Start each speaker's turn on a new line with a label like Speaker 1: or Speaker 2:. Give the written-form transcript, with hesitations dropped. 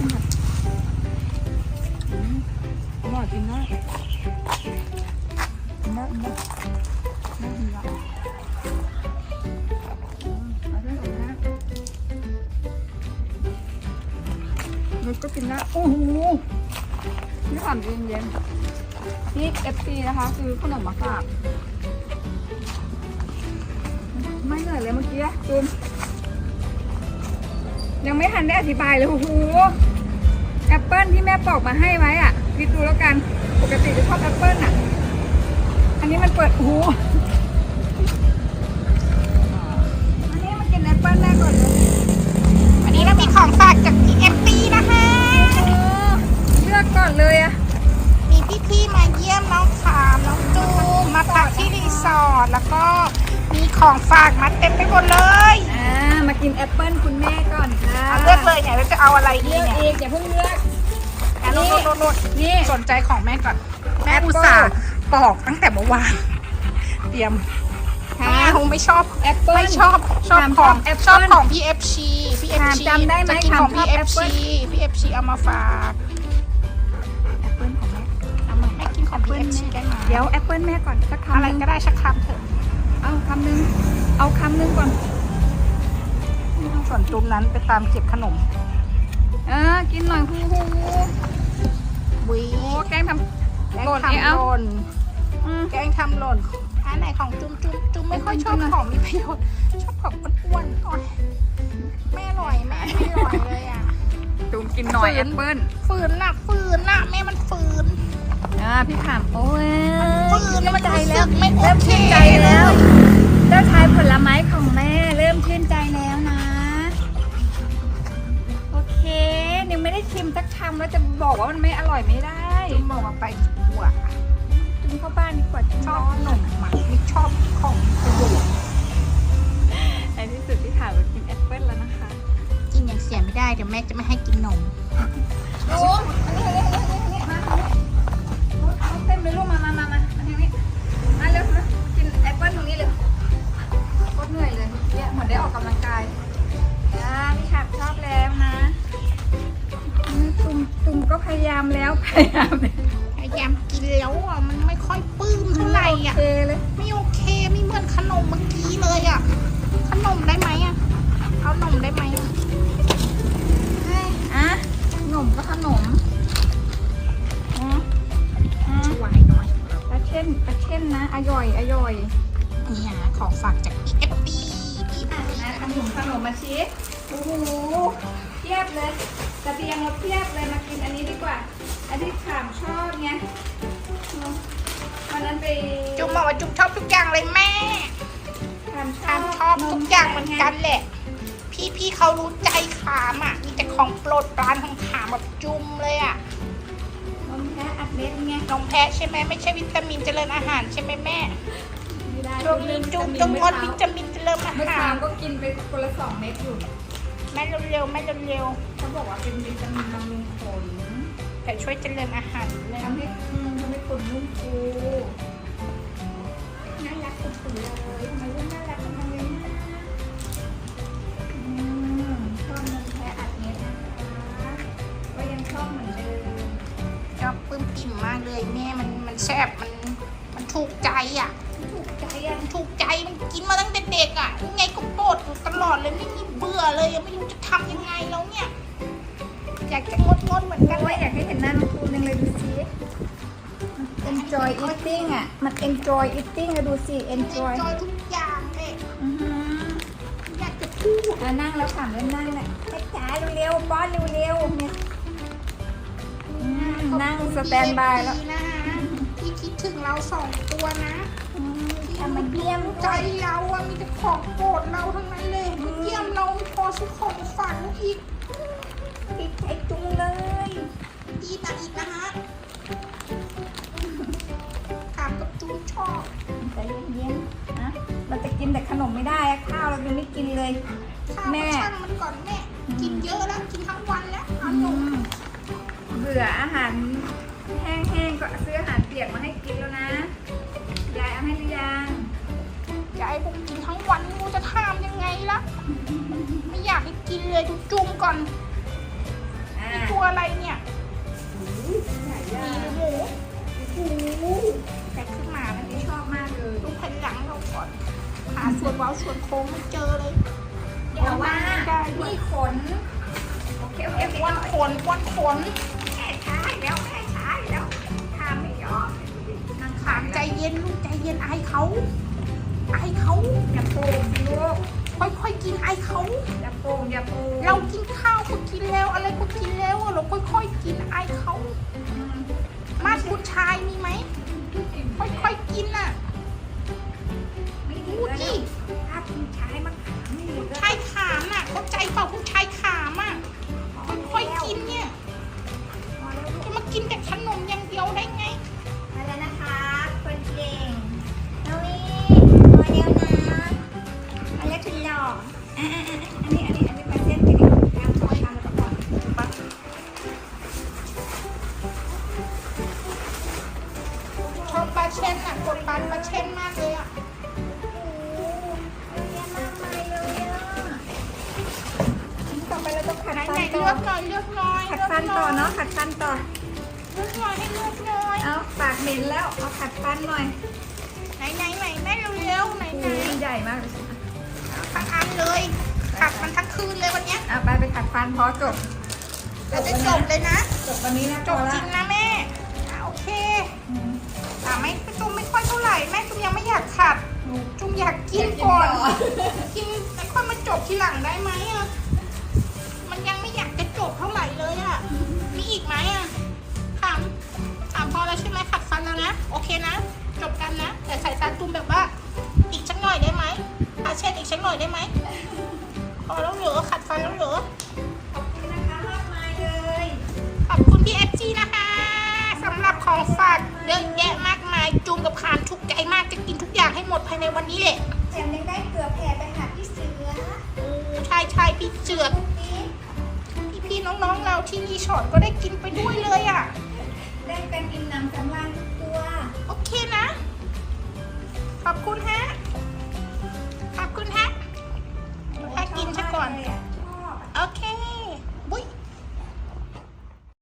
Speaker 1: อร่อยจริงนะน่ากินอ่ะมันก็กินได้โอ้โหนี่ถามเย็นๆนี่ FC นะคะคือขนมมาฝากไม่เหนื่อยเลยเมื่อกี้จูนยังไม่ทันได้อธิบายเลยโอ้โหแอปเปิ้ลที่แม่ปอกมาให้ไว้อ่ะคิดดูแล้วกันปกติจะชอบแอปเปิ้ลอ่ะอันนี้มันเปิดโอ้โหอันนี้มากินแอปเปิ้ลแม่ก่อนเลย
Speaker 2: วันนี้เรามีของฝากจากพี่เอฟซีนะคะ
Speaker 1: เลือกก่อนเลยอ่ะ
Speaker 2: มีพี่ๆมาเยี่ยมน้องขามน้องจูมมาพักที่รีสอร์ทแล้วก็มีของฝากมาเต็มไปหมดเลย
Speaker 1: มากินแอปเปิ้ลคุณแม่ก่อนค่ะ
Speaker 2: เอาเลือกเลยเนี่ยเราจะเอาอะไรดี
Speaker 1: เลือก
Speaker 2: เนี่ย
Speaker 1: เองอย่าเพิ่งเลือก
Speaker 2: โน่น
Speaker 1: นี่
Speaker 2: สนใจของแม่ก่อนแม่อุตส่าห์ปอกตั้งแต่เมื่อวานเตรียมแม่คงไม่ชอบ
Speaker 1: แอปเปิ้ล
Speaker 2: ไม่ชอบของ
Speaker 1: แอป
Speaker 2: ชอบ
Speaker 1: เปิ้ล
Speaker 2: ของพี่เอฟซีพี่เอฟซี
Speaker 1: จำได้ไหม
Speaker 2: จะกินของพี่
Speaker 1: ช
Speaker 2: เอ
Speaker 1: อบ
Speaker 2: ฟ
Speaker 1: แอปเปิ้
Speaker 2: ซี
Speaker 1: ล
Speaker 2: พี่เอฟซีเอามาฝาก
Speaker 1: แอปเปิ้ลของแม่
Speaker 2: เอามาแม่กินของพี่เอฟซีได้ไหม
Speaker 1: เดี๋ยวแอปเปิ้ลแม่ก่อนสักคำ
Speaker 2: อะไร
Speaker 1: หนึ่ง
Speaker 2: ก็ได้สักคำเถอะ
Speaker 1: เอาคำหนึ่งเอาคำหนึ่งก่อน
Speaker 2: ส่วนจุ่มนั้นไปตามเก็บขนม
Speaker 1: กินหน่อยฮูฮู
Speaker 2: วิ
Speaker 1: โอ้แกงทำ
Speaker 2: แกง
Speaker 1: โกรธ
Speaker 2: ทำ
Speaker 1: เอา
Speaker 2: หล่น
Speaker 1: อืม
Speaker 2: แกงทำหล่นอันไหนของจุ่มไม่ค่อยชอบของมีประโยชน์ชอบของอ้วนๆโอ๊ยไม่อร่อยแม่ไม่อร่อยเลยอ่ะ
Speaker 1: จูมกินหน่อยแอปเปิ้ล
Speaker 2: ฝืนน่ะแม่มันฝืน
Speaker 1: พี่ขามโอ้ย
Speaker 2: ฝืนแล้วมัน
Speaker 1: ใจ
Speaker 2: รู้
Speaker 1: แล้
Speaker 2: สึ
Speaker 1: ว
Speaker 2: กไม่โอ
Speaker 1: เริ่ม
Speaker 2: เค
Speaker 1: ชื่นใจแล้วเจ้าชายผลไม้ของแม่เริ่มชื่นใจแล้วนะ โอเคยังไม่ได้ชิมสักคำแล้วจะบอกว่ามันไม่อร่อยไม่ได้
Speaker 2: จุ่มบอกว่าไปดีกว่า
Speaker 1: จุ่มเข้าบ้านดีกว่าจุ่ม
Speaker 2: ชอบขนมหมักไม่ชอบของประโยชน์
Speaker 1: ในที่สุดพี่ขามมากินแอปเปิ้ลแล้วนะคะ
Speaker 2: กินอย่างเสียไม่ได้เดี๋ยวแม่จะไม่ให้กินนม
Speaker 1: โอ้อันนี้มาเอาเต็มเลยลูกมาทางนี้มาเร็วนะกินแอปเปิ้ลตรงนี้เลยก็เหนื่อยเลยเนี่ยเหมือนได้ออกกำลังกายพี่ขามชอบแล้วนะตุ่มก็พยายามแล้วพยายาม
Speaker 2: พยายามกินแล้วอ่ะมันไม่ค่อยปลื้มเท่าไหร่อ่ะ
Speaker 1: โอเคเลย
Speaker 2: ไม่โอเคไม่เหมือนขนมเมื่อกี้เลยอ่ะขนมได้ไหมอ่ะเอานมได้ไหมอ่ะ
Speaker 1: ขนมก็ขนม
Speaker 2: ช่วยหน่อย
Speaker 1: ปลาเช่นนะอร่อย
Speaker 2: เนี่ยของฝากจากพี่เอฟบีพี่
Speaker 1: นะขนมมาชิโอ้โหเทียบเลยกระเทียมเราเทียบเลยมากินอันนี้ดีกว่าอันที่ขามชอบไงวันนั้นไป
Speaker 2: จุ๊บบอกว่าจุ๊บชอบทุกอย่างเลยแม่
Speaker 1: ขาม
Speaker 2: ขามชอบทุกอย่างเหมือนกันแหละพี่เขารู้ใจขามอ่ะมีแต่ของโปรดปรานของขามแบบจุ่มเลยอ่ะ
Speaker 1: นมแพะอัดเม็ดไง
Speaker 2: นมแพะใช่ไหมไม่ใช่วิตามินเจริญอาหารใช่ไหมแม่
Speaker 1: ไม่ได้
Speaker 2: ช่วงนี้จุ๊บต้องงดวิตามินเจริญอา
Speaker 1: เมื่อ
Speaker 2: หา
Speaker 1: เช้าร ก็กินไปคนละ2 เม็ดอยู่
Speaker 2: แม่เร็วๆแม่เร็ว
Speaker 1: เขาบอกว่าเป็นวิตามินบำรุงขน
Speaker 2: ๆแต่ช่วยเจริญอาหารเลย
Speaker 1: ทำให้ขนนุ่มฟูน่ารักสุดๆเลยทำไมลูกน่ารักจังเลยนะชอบนมแพะอัดเม็ดนะคะก็ยังชอบเหมือนเดิม
Speaker 2: ชอบปลื้มปิ่มมากเลยแม่มันแซ่บมันถูกใจอ่ะ
Speaker 1: ถูกใจอ่ะ
Speaker 2: มันถูกใจมันกินมาตั้งแต่เด็กอ่ะยังไงก็โปรดอยู่ตลอดเลยไม่มีเบื่อเลยยังไม่รู้จะทำยังไงแล้วเนี่ยอยากจะงดเหมือนกัน
Speaker 1: โอ้
Speaker 2: เลย ย
Speaker 1: อยากให้เห็นหน้าน้องตูนยังเลยดูสิ enjoy eating อ่ะมัน enjoy eating อะดูสิ enjoy
Speaker 2: จอยทุกอย่างเลย
Speaker 1: อือหือ
Speaker 2: อยากจะพูด
Speaker 1: นั่งแล้วถามเล่นนั่งแหละแม่จ๋าเร็วๆป้อนเร็วๆเนี่ยนั่งสแตนบายแล้ว
Speaker 2: นะฮะที่คิดถึงเรา2 ตัวนะ
Speaker 1: ทำมาเยี่ยม
Speaker 2: ใจเราอะมีแต่ของโปรดเราทั้งนั้นเลยเยี่ยมเราไม่พอสุขของฝันอีก
Speaker 1: ติดใจจุงเลย
Speaker 2: อีกนะฮะถามกับจูนชอบ
Speaker 1: ใจเย็นๆนะเราจะกินแต่ขนมไม่ได้อะข้าวเรายังไม่กินเลย
Speaker 2: ข้าวก็ช่างมันก่อนแม่กินเยอะแล้วกินทั้งวันแล้วเอานม
Speaker 1: เบื่ออาหารแห้งๆก็ซื้ออาหารเปียกมาให้กินแล้วนะยายเอาให้หรือยัง
Speaker 2: ยายบอกกินทั้งวันไม่รู้จะทำยังไงละไม่อยากให้กินเลยดูจุ่มก่อนตัวแตกขึ้นมาแล้วนี่
Speaker 1: ชอบมากเลย
Speaker 2: ดูแผ่นหลังเราก่อนหาส่วนเว้าส่วนโค้งไม่เจอเลย
Speaker 1: เดี๋ยวว่า
Speaker 2: ได้ด้วย
Speaker 1: นี่ขนโอเคโอเคโอเค
Speaker 2: วันขนวันขน
Speaker 1: แค่ช้าแล้วแค่ช้าแล้วทำไม่ยอมนาง
Speaker 2: ถามใจเย็นลูกใจเย็นไอายเขาไอายเขา
Speaker 1: อย่าโป่งสิลูก
Speaker 2: ค่อยๆกินไอายเขา
Speaker 1: อย่าโป่งอย่าโป่ง
Speaker 2: เรากินข้าวก็กินแล้วอะไรก็กินแล้วอะเราค่อยๆกินไอายเขามาดผู้ชายมีไหมค่อยๆกินน่ะ
Speaker 1: ไม่ดี
Speaker 2: ดู
Speaker 1: แล้ว
Speaker 2: ดิ
Speaker 1: ถ้าคุณชายมันไม่ดีแล้ว
Speaker 2: ชายขามน่ะเข้าใจเปล่าผู้ชายขามอ่ะค่อยๆกินเนี่ย
Speaker 1: พอแล้วลูก
Speaker 2: จะมากินแต่ขนมอย่างเดียวได้ไง
Speaker 1: มาแล้วนะคะคนเก่งน้องนี่มาแล้วนะมาแล้วคุณหล่ออันนี้มาเส้นไปดิตามตัวตามแล้วก็ก่อน
Speaker 2: ชอบปลาเช่นอ่ะกดปลาเช่นมากเลยอ่ะ
Speaker 1: โอ้เยอะมากมายเลยอ่ะต่อไปเราต้องขัด
Speaker 2: ไหน
Speaker 1: ฟั
Speaker 2: ไหน
Speaker 1: น
Speaker 2: เลื
Speaker 1: ต่อ
Speaker 2: อกหน่อยเลือกหน่อย
Speaker 1: ขัดฟันต่อเนาะขัดฟันต่อ
Speaker 2: เลือกหน่อยให้เลือกหน่อย
Speaker 1: เอาปากเหม็นแล้วเอาขัดฟันหน่อย
Speaker 2: ไหนแม่เร็วๆไหน
Speaker 1: โอ้ยใหญ่มากเลย
Speaker 2: ทั้งอันเลยขัดมันทั้งคืนเลยวันเนี้ย
Speaker 1: เอาไปขัดฟันพอจบ
Speaker 2: เราจะจบเลยนะ
Speaker 1: จบวันนี้นะ
Speaker 2: จบจริงนะแม่โอเคไม่จุ่มไม่ค่อยเท่าไหร่แม่จุ่มยังไม่อยากขัดจุ่มอยากกินก่อนกินแล้วค่อยมาจบทีหลังได้ไหมอ่ะมันยังไม่อยากจะจบเท่าไหร่เลยอ่ะมีอีกไหมอ่ะถามพอแล้วใช่ไหมขัดฟันแล้วนะโอเคนะจบกันนะแต่สายตาจุ่มแบบว่าอีกสักหน่อยได้ไหมเช็ดอีกสักหน่อยได้ไหมพอแล้วเหรอขัดฟันแล้วเหรอ
Speaker 1: ขอบคุณนะคะมากมายเลย
Speaker 2: ขอบคุณพี่FGนะคะสำหรับของฝากเยอะแยะมากมายจูมกับขามทุกใจมากจะกินทุกอย่างให้หมดภายในวันนี้แหละ
Speaker 1: แถมยังได้เกลือแผ่ไปหาพี่เสือ
Speaker 2: โอ้ใช่พี่เจือด
Speaker 1: พวกนี้
Speaker 2: พี่น้องๆเราที่รีสอร์ทก็ได้กินไปด้วยเลยอ่ะ
Speaker 1: ได้กันอิ่มหนำสำราญทุกตัว
Speaker 2: โอเคนะ ขอบคุณฮะขอบคุณฮะให้กินซะก่อน
Speaker 1: เลยะ